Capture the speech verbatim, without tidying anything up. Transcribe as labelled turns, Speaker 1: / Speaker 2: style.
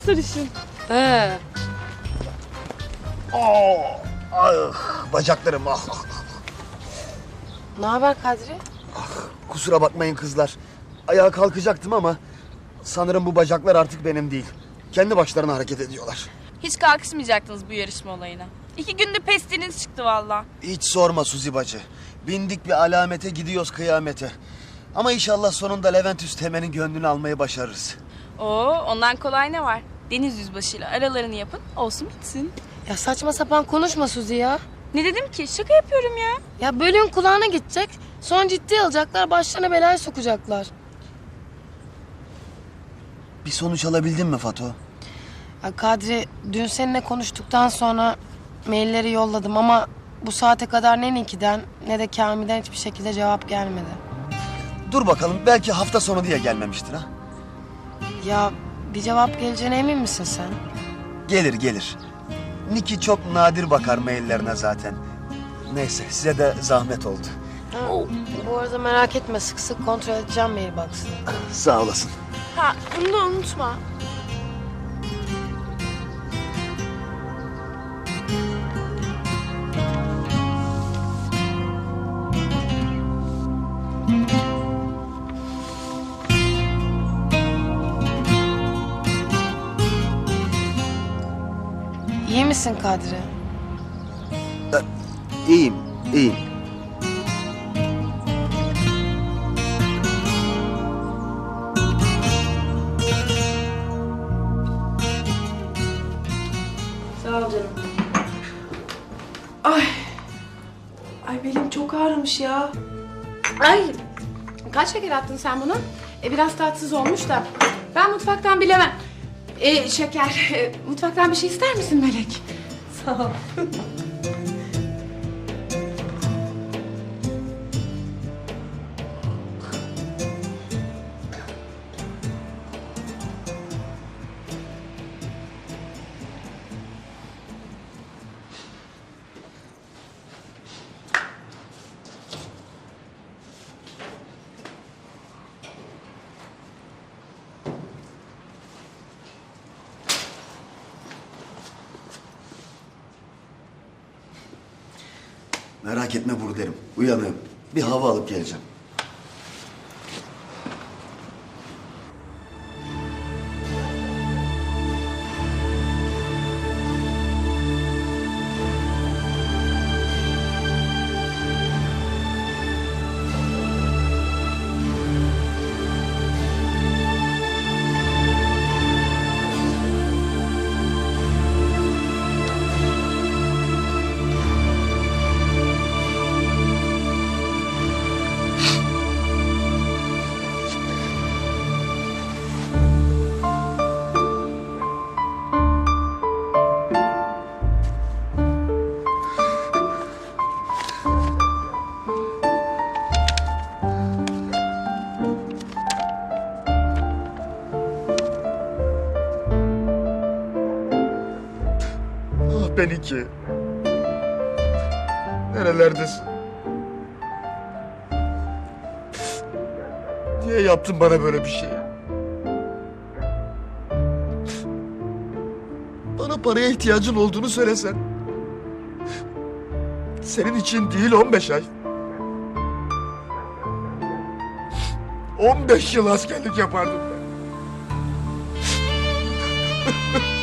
Speaker 1: Sarışın.
Speaker 2: He.
Speaker 3: Oh, ah, bacaklarım ah.
Speaker 2: Ne haber Kadri?
Speaker 3: Kusura bakmayın kızlar. Ayağa kalkacaktım ama sanırım bu bacaklar artık benim değil. Kendi başlarına hareket ediyorlar.
Speaker 1: Hiç kalkışmayacaktınız bu yarışma olayına. İki günde pestiniz çıktı valla.
Speaker 3: Hiç sorma Suzi bacı. Bindik bir alamete gidiyoruz kıyamete. Ama inşallah sonunda Levent Üsteğmen'in gönlünü almayı başarırız.
Speaker 1: Oo, ondan kolay ne var? Deniz yüzbaşıyla aralarını yapın, olsun bitsin.
Speaker 2: Ya saçma sapan konuşma Suzi ya.
Speaker 1: Ne dedim ki? Şaka yapıyorum ya.
Speaker 2: Ya bölüğün kulağına gidecek. Sonra ciddiye alacaklar. Başlarına belaya sokacaklar.
Speaker 3: Bir sonuç alabildin mi Fato?
Speaker 2: Ya Kadri, dün seninle konuştuktan sonra mailleri yolladım ama bu saate kadar ne Niki'den ne de Kamil'den hiçbir şekilde cevap gelmedi.
Speaker 3: Dur bakalım, belki hafta sonu diye gelmemiştir ha.
Speaker 2: Ya bir cevap geleceğine emin misin sen?
Speaker 3: Gelir gelir. Niki çok nadir bakar maillerine zaten. Neyse, size de zahmet oldu.
Speaker 2: Ha, bu arada merak etme, sık sık kontrol edeceğim mailbox'ını.
Speaker 3: Sağ olasın.
Speaker 1: Ha, bunu da unutma.
Speaker 2: İyi misin Kadri?
Speaker 3: İyiyim, iyiyim.
Speaker 2: Sağ ol canım.
Speaker 4: Ay. Ay belim çok ağrımış ya.
Speaker 5: Ay, kaç şeker attın sen buna? E, biraz tatsız olmuş da. Ben mutfaktan bilemem. E, şeker, e, mutfaktan bir şey ister misin Melek?
Speaker 4: Sağ ol.
Speaker 3: Merak etme buradayım. Uyanığım. Bir hava alıp geleceğim. Ah ben iki. Nerelerdesin? Niye yaptın bana böyle bir şey? Bana paraya ihtiyacın olduğunu söylesen. Senin için değil on beş ay. on beş yıl askerlik yapardım ben.